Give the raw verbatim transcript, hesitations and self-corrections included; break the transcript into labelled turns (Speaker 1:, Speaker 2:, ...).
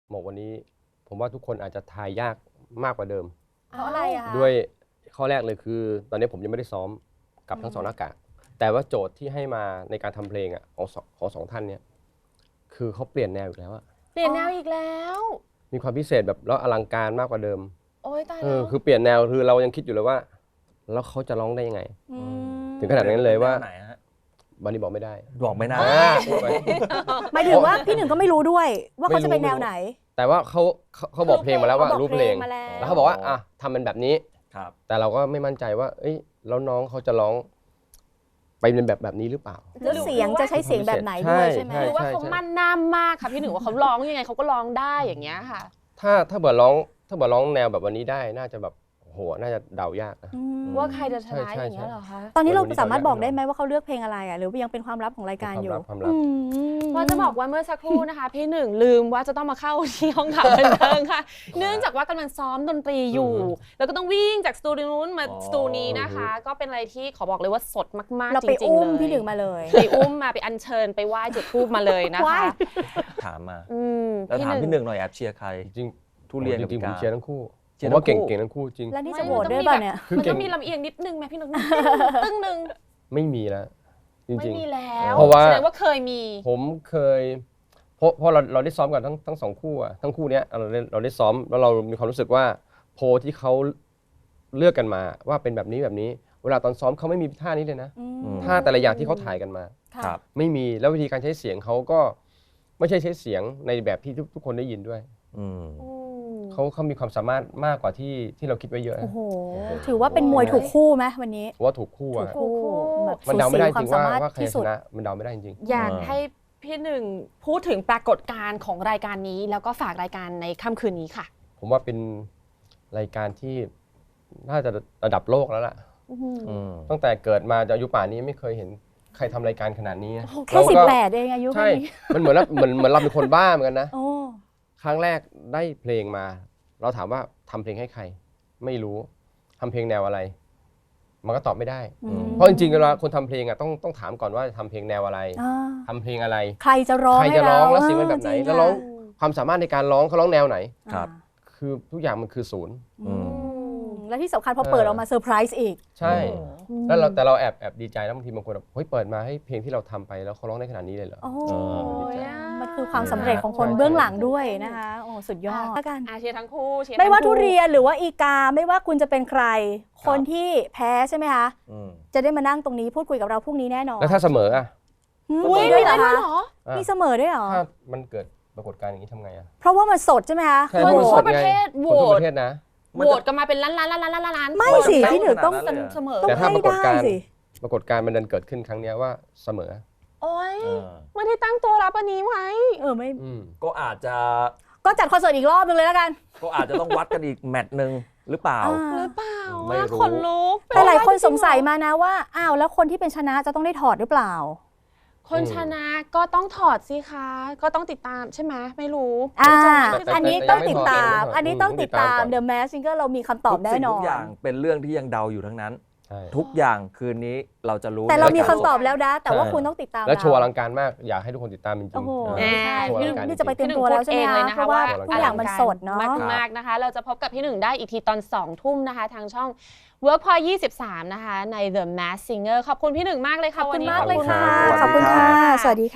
Speaker 1: หมกวันนี้ผมว่าทุกคนอาจจะทายยากมากกว่าเดิม
Speaker 2: เพราะอะไรอะคะ
Speaker 1: ด้วยข้อแรกเลยคือ ตอนนี้ผมยังไม่ได้ซ้อมกับทั้งสองหน้ากากแต่ว่าโจทย์ที่ให้มาในการทำเพลงอ่ะของของสองท่านเนี่ยคือเขาเปลี่ยนแนวอีกแล้วอะ
Speaker 3: เปลี่ยนแนวอีกแล้ว
Speaker 1: มีความพิเศษแบบแล้วอลังการมากกว่าเดิม
Speaker 3: โอ้ยตาย
Speaker 1: เอ
Speaker 3: แล้
Speaker 1: อ
Speaker 3: ว
Speaker 1: คือเปลี่ยนแนวคือเรายังคิดอยู่เลยว่าแล้วเขาจะร้องได้ยังไง ถึงขนาดนั้นเลยว่าวันนี้บอกไม่ได้
Speaker 4: บอกไม่ได้
Speaker 2: หมายถึงว่าพี่หนึ่งก็ไม่รู้ด้วยว่าเขาจะเป็นแนวไหน
Speaker 1: แต่ว่าเขาเขาบอกเพลงมาแล้วว่ารู้เพลงแล้วเขาบอกว่าอ่ะทำเป็นแบบนี้แต่เราก็ไม่มั่นใจว่าเอ้ยแล้วน้องเขาจะร้องไปเป็นแบบแบบนี้หรือเปล่า
Speaker 2: แล้วเสียงจะใช้เสียงแบบไหนด้วยใช่ไหม
Speaker 3: หรือว่าเขามั่นหน้ามากค่ะพี่หนึ่งว่าเขาร้องยังไงเขาก็ร้องได้อย่างเงี้ยค่ะ
Speaker 1: ถ้าถ้าเบิร์ร้องถ้าเบิร์ร้องแนวแบบวันนี้ได้น่าจะแบบโหน่าจะเดายากนะ
Speaker 3: ว่าใครจะชนะอย่างเงี้ยเหรอคะ
Speaker 2: ตอนนี้เราสามารถบอกได้ไหมว่าเขาเลือกเพลงอะไรอ่ะหรือยังเป็นความลับของรายการอยู่
Speaker 3: เพราะจะบอกว่าเมื่อสักครู่นะคะพี่หนึ่งลืมว่าจะต้องมาเข้าที่ห้องข่าวบันเทิงค่ะเนื่องจากว่ากำลังซ้อมดนตรีอยู่แล้วก็ต้องวิ่งจากสตูดิโอนู้นมาสตูนี้นะคะก็เป็นอะไรที่ขอบอกเลยว่าสดมากๆจริงๆเลย
Speaker 2: เราไปอุ้มพี่หนึ่งมาเลย
Speaker 3: ไปอุ้มมาไปอัญเชิญไปไหว้จุดธูปมาเลยนะคะ
Speaker 4: ถามมาแล้วถามพี่หนึ่งหน่อยแอบเชียร์ใคร
Speaker 1: จริง
Speaker 4: ทุเรียน
Speaker 1: จริงผมเชียร์ทั้งคู่ผมว่าเก่งๆทั้งคู่จริง
Speaker 2: แล้วนี่จะโหวตด้วยป่ะเนี่ย
Speaker 3: มันต้องมีลำเอียงนิดนึงไหมพี่หนึ่งตึ้งนึง
Speaker 1: ไม่มีแล้วจริงๆ
Speaker 3: ไม่มีแล้ว
Speaker 1: เพราะว่า
Speaker 3: แสดงว่าเคยมี
Speaker 1: ผมเคยเพราะเพราะเราเราได้ซ้อมกันทั้งทั้งสองคู่อะทั้งคู่เนี้ยเราได้เราได้ซ้อมแล้วเรามีความรู้สึกว่าโพลที่เขาเลือกกันมาว่าเป็นแบบนี้แบบนี้เวลาตอนซ้อมเขาไม่มีท่านี้เลยนะท่าแต่ละอย่างที่เขาถ่ายกันมาไม่มีแล้ววิธีการใช้เสียงเขาก็ไม่ใช่ใช้เสียงในแบบที่ทุกคนได้ยินด้วยเขาเขามีความสามารถมากกว่าที่ที่เราคิดไว้เยอะ
Speaker 2: โอ้โหถือว่าเป็นมวยถูกคู่ไหมวันนี้
Speaker 1: ว่าถูกคู่อะมันเดาไม่ได้จริงว่าว่าใครชนะมันเดาไม่ได้จริง
Speaker 3: อยากให้พี่หนึ่งพูดถึงปรากฏการณ์ของรายการนี้แล้วก็ฝากรายการในค่ำคืนนี้ค่ะ
Speaker 1: ผมว่าเป็นรายการที่น่าจะระดับโลกแล้วล่ะตั้งแต่เกิดมาจะอายุป่านนี้ไม่เคยเห็นใครทำรายการขนาดนี้
Speaker 2: แค่สิบแปดเองอายุ
Speaker 1: ใช่มันเหมือนเหมือนเหมือนเราเป็นคนบ้าเหมือนกันนะครั้งแรกได้เพลงมาเราถามว่าทำเพลงให้ใครไม่รู้ทำเพลงแนวอะไรมันก็ตอบไม่ได้เพราะจริงๆเวลาคนทำเพลงอ่ะต้องต้องถามก่อนว่าทำเพลงแนวอะไรทำเพลงอะไร
Speaker 2: ใครจะร้อง
Speaker 1: ใครจะร้องแล้วเสียงเป็นแบบไหนแล้วร้องความสามารถในการร้องเขาร้องแนวไหน
Speaker 4: ครับ
Speaker 1: คือทุกอย่างมันคือศูนย์
Speaker 2: และที่สำคัญพอเปิดออกมาเซอร์ไพรส์อีก
Speaker 1: ใช่แล้วเราแต่เราแอบแอบดีใจแล้วบางทีบางคนแบบเฮ้ยเปิดมาให้เพลงที่เราทำไปแล้วเขาร้องได้ขนาดนี้เลยเหรอ
Speaker 2: มันคือความสำเร็จของคนเบื้องหลังด้วยนะคะโอ้สุดยอด
Speaker 3: กันเชียร์ทั้งคู่
Speaker 2: ไม่ว่าทุเรียนหรือว่าอีกาไม่ว่าคุณจะเป็นใครคนที่แพ้ใช่ไหมคะจะได้มานั่งตรงนี้พูดคุยกับเราพรุ่งนี้แน่นอน
Speaker 1: แล้วถ้าเสมออ่ะ
Speaker 2: มีด้วยเหรอคะมีเสมอด้วยเหรอ
Speaker 1: ถ้ามันเกิดปรากฏการณ์อย่างนี้ทำไงอ่ะ
Speaker 2: เพราะว่ามันสดใช่ไหมคะ
Speaker 3: คนทั่วประเทศโหวต
Speaker 1: ประเทศนะ
Speaker 3: โหวตกันมาเป็นล้านล้านล้านล้านล้าน
Speaker 2: ไม่สิพี่หนึ่งต้อง
Speaker 3: เสมอ
Speaker 1: แต่ถ้าปรากฏการณ์ปรากฏการณ์มันดันเกิดขึ้นครั้งนี้ว่าเสมอ
Speaker 3: โอ๊ยไม่ได้ตั้งตัวรับอันนี้ไหม
Speaker 2: เออไม่
Speaker 4: ก็อาจจะ
Speaker 2: ก็จัดคอนเสิร์ตอีกรอบนึงเลยแล้วกัน
Speaker 4: ก็อาจจะต้องวัดกันอีกแมตช์นึงหรือเปล่า
Speaker 3: หรือเปล่าขนลุก
Speaker 2: แต่หลายคนสงสัยมานะว่าอ้าวแล้วคนที่เป็นชนะจะต้องได้ถอดหรือเปล่า
Speaker 3: คนชนะก็ต้องถอดสิคะก็ต้องติดตามใช่ไหมไม่รู้
Speaker 2: อ่าอันนี้ต้องติดตามอันนี้ต้องติดตาม The Mask Singer เรามีคำตอบแน่นอน
Speaker 4: ทุกอย่างเป็นเรื่องที่ยังเดาอยู่ทั้งนั้นทุกอย่างคืนนี้เราจะรู้
Speaker 2: แต่เรามีคำตอบแล้วนะแต่ว่าคุณต้องติดตาม
Speaker 1: แล้วโชว์อลังการมากอยากให้ทุกคนติดตามจริงๆ
Speaker 2: โอ้โหนี่จะไปเต็มตัวแล้วใช่ไหมคะเพราะว่าทุกอย่างมันสดเนาะ
Speaker 3: มากๆนะคะเราจะพบกับพี่หนึ่งได้อีกทีตอนสองทุ่มนะคะทางช่อง Workpoint ยี่สิบสามนะคะใน The Mask Singer ขอบคุณพี่หนึ่งมากเลยค่ะ
Speaker 2: วันนี้ขอบคุณมากเลยค่ะขอบคุณค่ะสวัสดีค่ะ